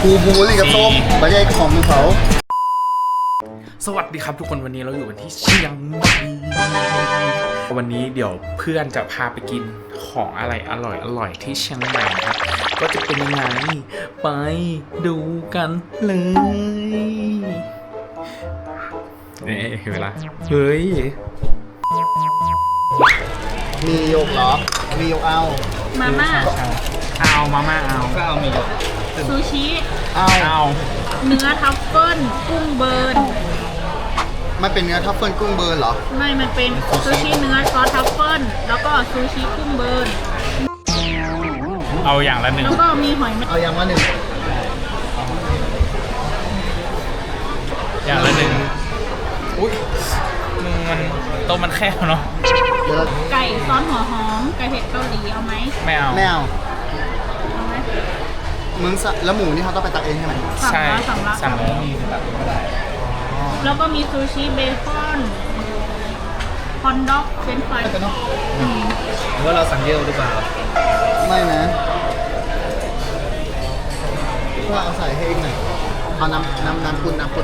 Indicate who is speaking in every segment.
Speaker 1: บูรี่กับส้มไม่ใช่ของมือเขา
Speaker 2: สวัสดีครับทุกคนวันนี้เราอยู่กันที่เชียงใหม่วันนี้เดี๋ยวเพื่อนจะพาไปกินของอะไรอร่อยที่เชียงใหม่ครับก็จะเป็นยังไงไปดูกันเลยนี่เวลาเฮ้ย
Speaker 1: มีโยกเหรอมีโยกเอา
Speaker 3: มาม่า
Speaker 2: เอามาม่าเอา
Speaker 1: ก็เอามีโยก
Speaker 3: ซูชิ
Speaker 2: เอา
Speaker 3: เนื้อทัฟเฟิลกุ้งเบิร์น
Speaker 1: มันเป็นเนื้อทัฟเฟิลกุ้งเบิร์นเหรอ
Speaker 3: ไม่มันเป็นซูชิเนื้อซอสทัฟเฟิลแล้วก็ซูชิกุ้งเบิร์น
Speaker 2: เอาอย่างละหนึ่ง
Speaker 3: แล้วก็มีหอย
Speaker 1: เอาอย่างละหนึ่ง
Speaker 2: อย่างละหนึ่งอุ้ยมันโต๊ะมันแคบเนาะ
Speaker 3: ไก่ซอสหัวหอมไก่เผ็ดเกาหลีเอาไหม
Speaker 2: ไม่เอา
Speaker 1: ไม่เอา
Speaker 3: เอาไหม
Speaker 1: มึงแล้วหมูนี่เขาต้องไปตักเองใช่ไหม
Speaker 2: ใช่สั่งแล้ว
Speaker 3: แล้วก็มีซูชิเบคอนฮอนด็อกเฟรนช์ฟราย
Speaker 2: ว่าเราสั่งเยอะหรือเปล่า
Speaker 1: ไม่นะว่าเอาใส่ให้เองหน่อยเอาน้ำพุน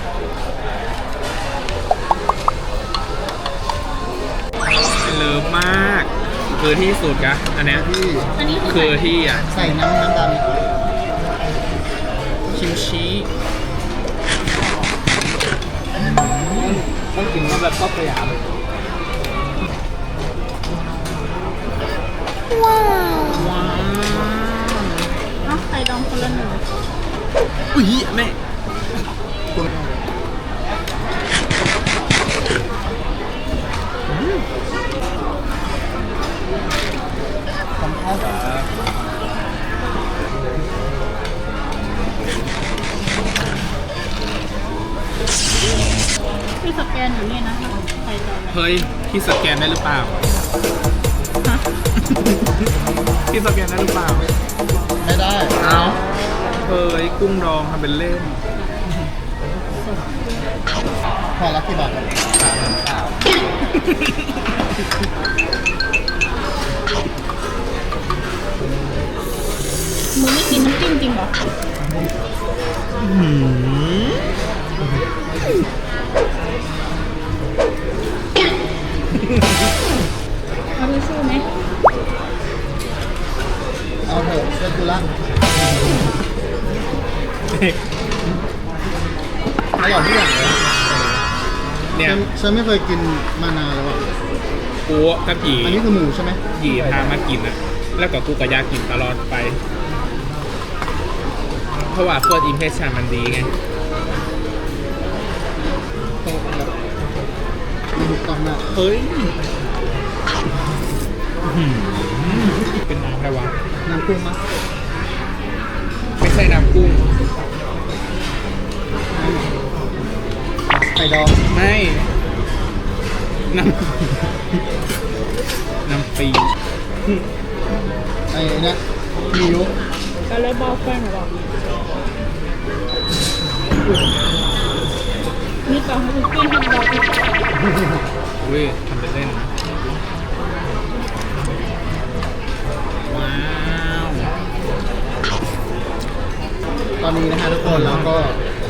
Speaker 2: เลิฟมากคือที่สุดกะอันนี้คือที่อ่ะ
Speaker 1: ใส่น้ำดำ
Speaker 2: คิมชิ
Speaker 1: ต้องกินมาแบบก็ประหยัดเลย
Speaker 3: ว้าวไข่ดองคนละหนึ่ง
Speaker 2: อุ้ยแม่
Speaker 3: ที่สแกนอยู่นี่นะไข่ดอง
Speaker 2: เฮ้ยที่สแกนได้หรือเปล่าที่สแกนได้หรือเปล่า
Speaker 1: ไม่ได้
Speaker 2: เอาเฮ้ยกุ้งดองทำเป็นเล่น
Speaker 1: พอละกี่บาท
Speaker 3: มึงไม่กินน้ำจิ้มจริงเหรอเอาทิชชู่ไหม
Speaker 1: เอาเถอะเชื่อกูละอร่อยทุกอย่างเลย
Speaker 2: เนี่ย
Speaker 1: ฉันไม่เคยกินมานานแล้วอ่ะ
Speaker 2: กูกับหยี
Speaker 1: อันนี้คือหมูใช่ไหม
Speaker 2: หยีพามากินนะแล้วก็กูก็อยากกินตลอดไปเพราะว่าเฟิร์สอิมเพรสชั่นมันดีไง
Speaker 1: ถูกต้องนะ
Speaker 2: เฮ้ยเป็นน้ำอะไรวะ
Speaker 1: น้ำกุ้งมั้ย
Speaker 2: ไม่ใช่น้ำกุ้ง
Speaker 1: ไข่ดอง
Speaker 2: ไม่น้ำปี
Speaker 1: ไอ้เนี่ยมียุ
Speaker 3: ก็เลยบอกแฟนหรอนี่ต่อให้คุณกินให้เรา
Speaker 2: อุ้ยทำเป็นเล่นว้าว
Speaker 1: ตอนนี้นะฮะทุกคนแล้วก็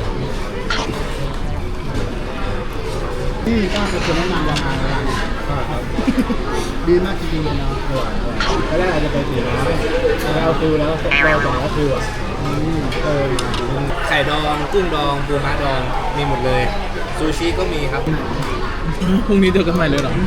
Speaker 1: นี่ก็เป็นแนะนำราคาร้านดีมากจริงๆเลยนะแล้วอาจจะไปถึงแล้วเอาฟิวแล้วเราสองก็ฟิว
Speaker 4: ไข่ดองกุ้งดองปูม้าดองมีหมดเลยซูชิก็มีครับ
Speaker 2: พรุ่งนี้เจอกันใหม่เลยเหรอ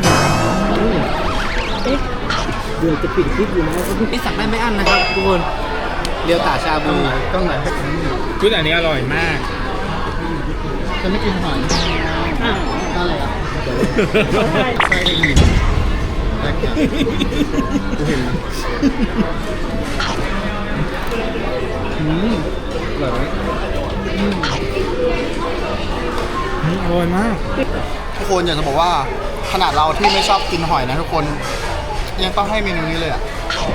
Speaker 1: เดี๋ยวจะปิดคลิปอยู่แล้ว
Speaker 4: นี่สั่งได้ไม่อั้นนะครับทุกคนเรียวตาชาบู
Speaker 1: ต้องไหน
Speaker 2: ชุดอันนี้อร่อยมาก
Speaker 1: จะไม่กินหอยอะไรอ่ะใช่ดีแรกอย่างกูเห็นอร่อยไหม
Speaker 2: อร่อยมาก
Speaker 1: ทุกคนอยากจะบอกว่าขนาดเราที่ไม่ชอบกินหอยนะทุกคนยังต้องให้เมนูนี้เลยอ่ะ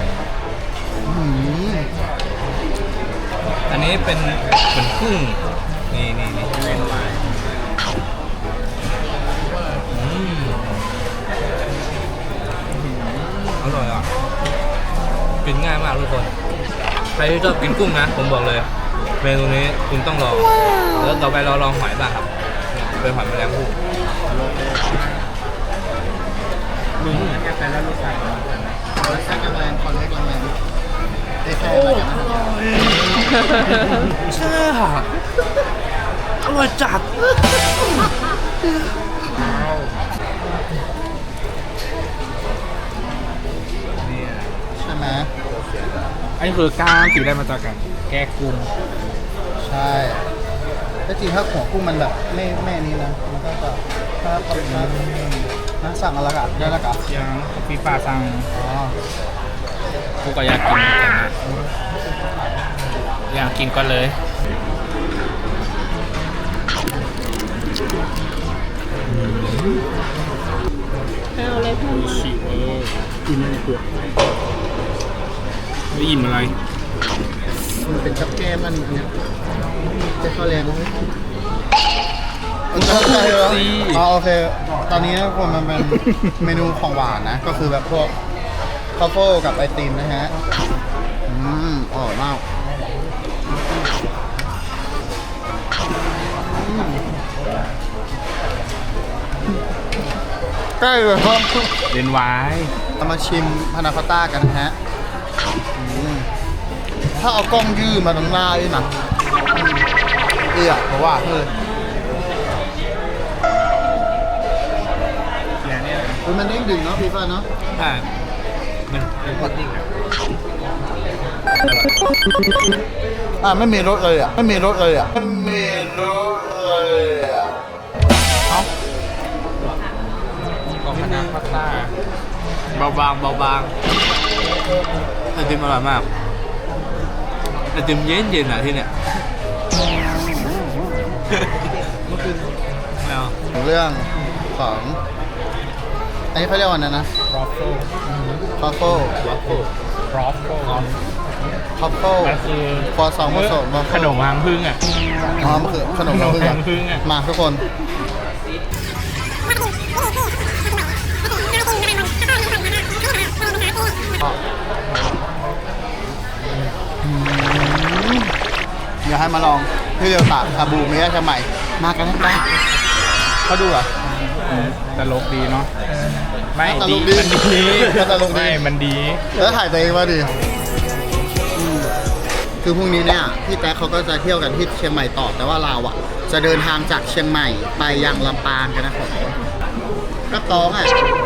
Speaker 4: อันนี้เป็นเหมือนกุ้งนี่อร่อยอ่ะกินง่ายมากทุกคนใครที่ชอบกินกุ้งนะผมบอกเลยเมนูนี้คุณต้องลองแล้วต่อไปเราลองหอยบ้างครับเป็นหอยแมลงภู่
Speaker 1: มึงแค่แต่ละรสชาติรสชาติกำลังคอนเล็กลังแรงได้แค่มาจากนั้น
Speaker 4: ใช่อร่อยจัด
Speaker 1: ใช่ไหม
Speaker 2: อันนี้คือกล้ามสีได้มาจากกันแกะกุ้ง
Speaker 1: ใช่แต่จริงถ้าหัวกุ้งมันแบบไม่นี้นะมันก็จะถ้าเขานะสั่งอะไรกันได้แล้วกัน
Speaker 2: ยังฟีฟ้าสั่ง
Speaker 1: อ๋อ
Speaker 2: กูก็อยากกินเหมือนกันนะอยากกินก็เลย
Speaker 3: เอาเลยเพิ่มมา
Speaker 2: ชิเวอร์
Speaker 1: กินในเปลือก
Speaker 2: ไม่ยินอะไร
Speaker 1: มันเป็นกับแก้มมันอันเนี้ยจะเข้าแรงไหมเข้าใจเหรออ๋อโอเค ตอนนี้นะคนมันเป็นเมนูของหวานนะ ก็คือแบบพวกคาโฟ่กับไอติมนะฮะอร่อยมากใกล้เลยครับ
Speaker 2: เล่นไว้
Speaker 1: เรามาชิมพานาคอตต้ากันนะฮะถ้าเอากล้องยื่มาตรงหน้าด้วยนะเพราะว่าเฮ้ย
Speaker 2: เนี่ย
Speaker 1: มันเด้งดึงเนาะพี่ฟ้าเนาะ
Speaker 4: ใช่มันเป็นพุดดิ้งอะ
Speaker 1: ไม่มีรสเลยอ่ะไม่มีรสเลยอ่ะไม่มีรสเลยอ่ะ
Speaker 2: ของพานาคอตต้า
Speaker 4: เบาบางไอติมอร่อยมากไอติมเย็นๆอ่ะที่เนี่ยแล้ว
Speaker 1: เรื่องของอันนี้เขาเรียกว่าอะไรนะ
Speaker 2: รอฟเฟิล
Speaker 1: คอฟเฟิล
Speaker 2: รอฟเฟิล
Speaker 1: คอฟเฟิล
Speaker 2: มันคือ
Speaker 1: คอสองผสม
Speaker 2: ขนมหางพึ่งอ่ะ
Speaker 1: อ๋อมันคือขนม
Speaker 2: ขนม
Speaker 1: พึ่ง
Speaker 2: หางพึ่งอ่ะ
Speaker 1: มาทุกคนอยากให้มาลองที่เดียวตากชาบูเมียชาใหม่มากันได้เขาดูอ่ะ
Speaker 2: ตลกดีเนาะไม่
Speaker 1: ตล
Speaker 2: ดี
Speaker 1: กดี
Speaker 2: มันดี
Speaker 1: ตลกดี
Speaker 2: ไม่มันดี
Speaker 1: แล้วถ่ายตัวเองมาดิคือพรุ่งนี้เนี่ยพี่แต๊กเขาก็จะเที่ยวกันที่เชียงใหม่ต่อแต่ว่าเราอ่ะ จะเดินทางจากเชียงใหม่ไปยังลำปางกันนะครับก็ต้องอ่ะ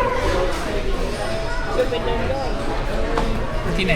Speaker 2: ที่ไหน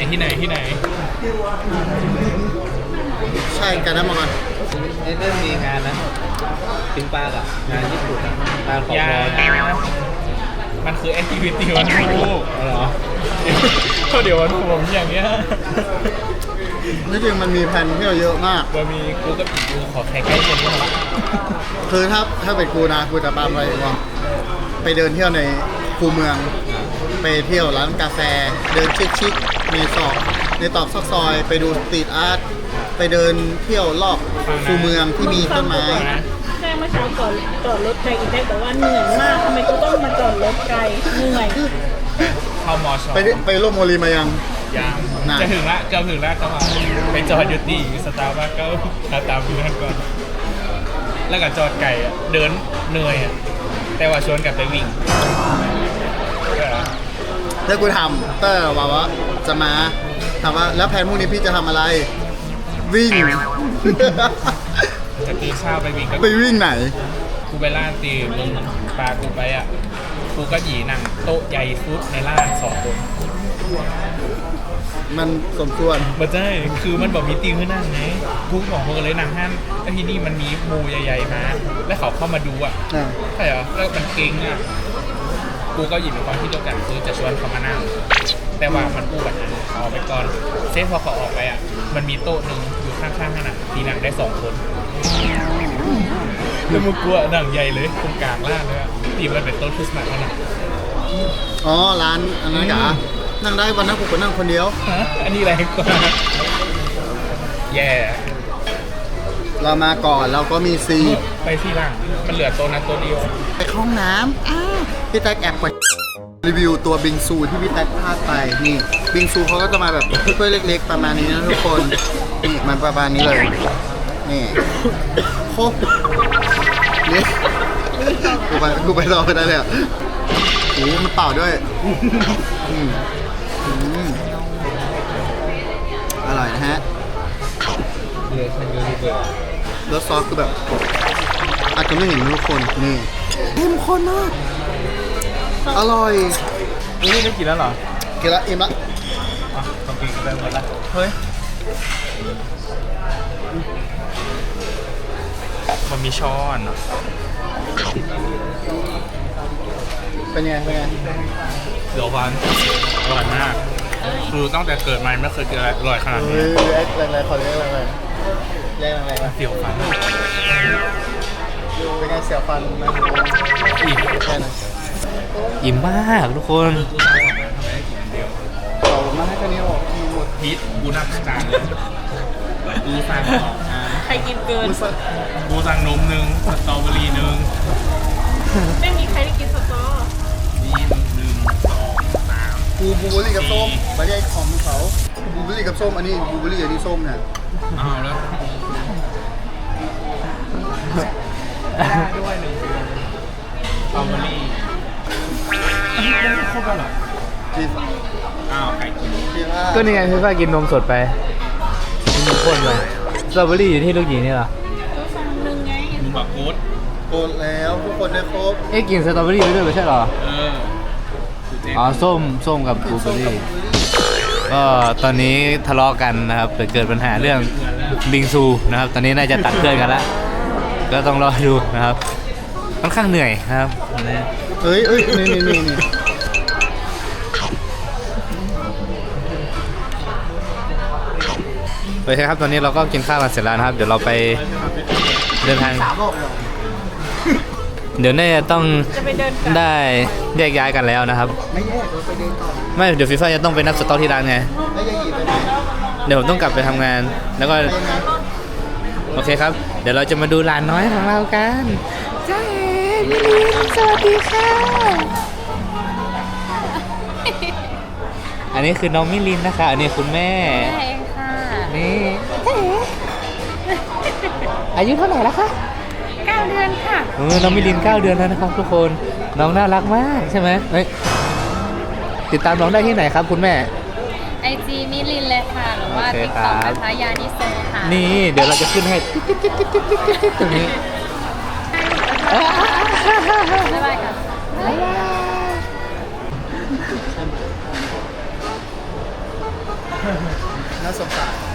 Speaker 1: ใช่กันนะมาก่อน
Speaker 4: นี่เริ่มมีงานนะปิงปลากับงานญี่ปุ่นงานของ
Speaker 2: ยา
Speaker 4: บอล
Speaker 2: มันคือแอคทิวิตี้วันพูก
Speaker 4: เหรอ
Speaker 2: ก็เดี๋ยววันผมอย่างเงี้ย
Speaker 1: นี่จริงมันมีแผนเที่ยวเยอะมาก
Speaker 2: ว่ามีกูกับอีกกูขอแข่งใกล้เคียงกันหน่อย
Speaker 1: คือถ้าเป็นกูนะกูจะตามไปว่าไปเดินเที่ยวในคูเมือง ไปเที่ยวร้านกาแฟ เดินชิคๆในตอกซอกซอย ไปดูสตรีทอาร์ตไปเดินเที่ยวรอบคูเมืองที่มีต้นไม้
Speaker 3: แจ้งเมื่อเช้าก่อนจอดรถไกลอีกได้บอกว่าเหนื่อยมากทำไมกูต้องมาจอดรถไกลเหนื่อย
Speaker 2: เข้ามอชอ
Speaker 1: ไปร่วมโมลีมายัง
Speaker 2: ยาง
Speaker 1: น่ะ
Speaker 2: จะถึงละเกือบถึงละจังหวะไปจอดอยู่ที่สตาร์บัคก็ตามเพื่อนก่อน แล้วก็จอดไก่อะเดินเหนื่อยอะแต่ว่าชวนกลับไปวิ่ง
Speaker 1: แล้วกูถามเตอร์ว่าจะมาถามว่าแล้วแผนพรุ่งนี้พี่จะทำอะไร วิ่ง
Speaker 2: จะตื่นเช้าไปวิ่งก็
Speaker 1: ไปวิ่งไหน
Speaker 2: กูไปล่าตีมึงปลากูไปอ่ะกูก็หยีนั่งโต๊ะใหญ่ฟุตในร้าน2 คน
Speaker 1: มันสมควร
Speaker 2: บ่ใช่คือมันบอกมีตีขึ้นนั่งไงกูบอกมึงเลยนั่งห้ามแล้วที่นี่มันมีหมูใหญ่ๆมาแล้วเขาเข้ามาดูอ่ะ
Speaker 1: อ่า
Speaker 2: ใช่เหรอแล้วมันเก่งอ่ะกูก็หยิบเป็นความที่เดียวกันคือจะชวนเขามานั่งแต่ว่ามันอู้แบบนั้นเขาออกไปก่อนเซฟพอเขาออกไปอ่ะมันมีโต๊ะหนึ่งอยู่ข้างๆขนาดที่นั่งได้2 คนแล้วมึงกลัวหนังใหญ่เลยตรงกลางล่างเลยอะตีมันเป็นโต๊ะคริสต์มาสขนาด
Speaker 1: อ๋อร้านอันนั้นกะนั่งได้วันนั้นกูก็นั่งคนเดียว
Speaker 2: ฮะอันนี้แรงกว่าแย่
Speaker 1: เรามาก่อนเราก็มีซี
Speaker 2: ไปที่หลังมันเหลือโต๊ะนั้นโต๊ะเดียว
Speaker 1: ไปเข้าห้องน้ำพี่แท็กแอบกดรีวิวตัวบิงซูที่พี่แท็กพลาดไปนี่บิงซูเขาก็จะมาแบบถ้วยเล็กๆประมาณนี้นะทุกคนนี่มันประมาณนี้เลยนี่โคกนี่กูไปรอกันได้เลยอ่ะโอ้มันเปล่าด้วยอืมอร่อยนะฮะ
Speaker 4: เรือชันยูนิเบอร์
Speaker 1: แล้วซอสคือแบบอาจจะไม่เห็นทุกคนนี่เข้มข้นมากอร่อย
Speaker 2: นี่ได้กินแล้วเหรอ
Speaker 1: กินละอิ่มละ
Speaker 4: ต้องกินกันไปหมดละ
Speaker 2: เฮ้ย มันมีช้อนเหรอ
Speaker 1: เป็นไงเป็นไง
Speaker 2: เดี๋ยวฟันอร่อยมากคือตั้งแต่เกิดมาไม่เคยกินอะไรอร่อยขนาด
Speaker 1: เฮ้
Speaker 2: นี้
Speaker 1: ยแรกแรงๆขอเรียกแรงๆแรงๆมา
Speaker 2: เสียวฟัน
Speaker 1: เป็นไงเสียวฟันนะ
Speaker 2: อีก
Speaker 1: แค่นั้น
Speaker 4: อิ่มมากทุกคน
Speaker 1: เอามาให้แค่นี้ออกหมด
Speaker 2: พีทกูนับจานเลยกูสั่ง2 อัน
Speaker 3: ใครกินเกิน
Speaker 1: กูสั่ง
Speaker 2: กูสั่งนม1สตรอเบอรี่1
Speaker 3: ไม่มีใครได้กินสตอ
Speaker 2: นี่1 2 3
Speaker 1: กูบลูเบอร์รี่กับส้มไม่ได้ของเขาบลูเบอร์รี่กับส้มอันนี้บลูเบอร์รี่อันนี้ส้มเนี่ย
Speaker 2: อ้าวแล้วด้วย1สตรอเบอรี่ครบแล้วเหรอ
Speaker 1: จีบ
Speaker 2: อ้าวไก่กิน
Speaker 1: จีบว่า
Speaker 4: ก็นี่ไงพี่ฟ้ากินนมสดไปกินนมข้นไปสตรอเบอรี่อยู่ที่ลูกหยีนี่เหรอ
Speaker 3: ตัวสั่งหนึ่งไง
Speaker 2: มึงบอกโค้ด
Speaker 1: โกนแล้วทุกคนได้ครบ
Speaker 4: เอ๊ะกินสตรอเบอรี่ไปด้วยไม่ใช่เหรอ
Speaker 2: เออ
Speaker 4: อ๋อส้มกับบลูเบอรี่ก็ตอนนี้ทะเลาะกันนะครับเกิดปัญหาเรื่องบิงซูนะครับ ตอนนี้น่าจะตัดเพื่อนกันแล้วก็ต้องรอดูนะครับค่อนข้างเหนื่อยนะครับวันนี้
Speaker 1: เอ้ยนี่
Speaker 4: โอเคครับตอนนี้เราก็กินข้าวกันเสร็จแล้วนะครับ เดี๋ยวเราไปเดินทาง
Speaker 1: 3 โลกเลย
Speaker 4: เดี๋ยวน่าจะต้อง
Speaker 3: จะไปเดินกัน
Speaker 4: ได้แยกย้ายกันแล้วนะครับ
Speaker 1: ไม่แยกเราไปเดินต่อ
Speaker 4: ไม่เดี๋ยวฟีฟ่าจะต้องไปนับสต็อกที่ร้านไง
Speaker 1: ไม่แยกหยิบไปไหน
Speaker 3: แล้ว
Speaker 4: เดี๋ยวผมต้องกลับไปทำงาน แล้วก็
Speaker 1: ไปยังไง
Speaker 4: โอเคครับ เดี๋ยวเราจะมาดูหลานน้อยของเรากันจ้าเอ๋มิลินสวัสดีค่ะ อันนี้คือน้องมิลินนะคะ อันนี้คุณแม่
Speaker 3: เองค่ะ
Speaker 4: นี่จ้าเอ๋อายุเท่าไหร่แล้วคะ
Speaker 3: 9 เดือนค่ะ
Speaker 4: น้องมิลิน9 เดือนแล้วนะครับทุกคน น้องน่ารักมากใช่ไหมเฮ้ยติดตามน้องได้ที่ไหนครับคุณแม่
Speaker 5: IG มิลินเลยค่ะ หรือว่า
Speaker 4: โอเค
Speaker 5: ติ๊ก
Speaker 4: ครั
Speaker 5: ต็อบ กนะคะยานิโซค่ะ
Speaker 4: นี่เดี๋ยวเราจะขึ้นให้ตรงนี้
Speaker 5: บ๊ายบายค่ะ
Speaker 1: น่าสงสาร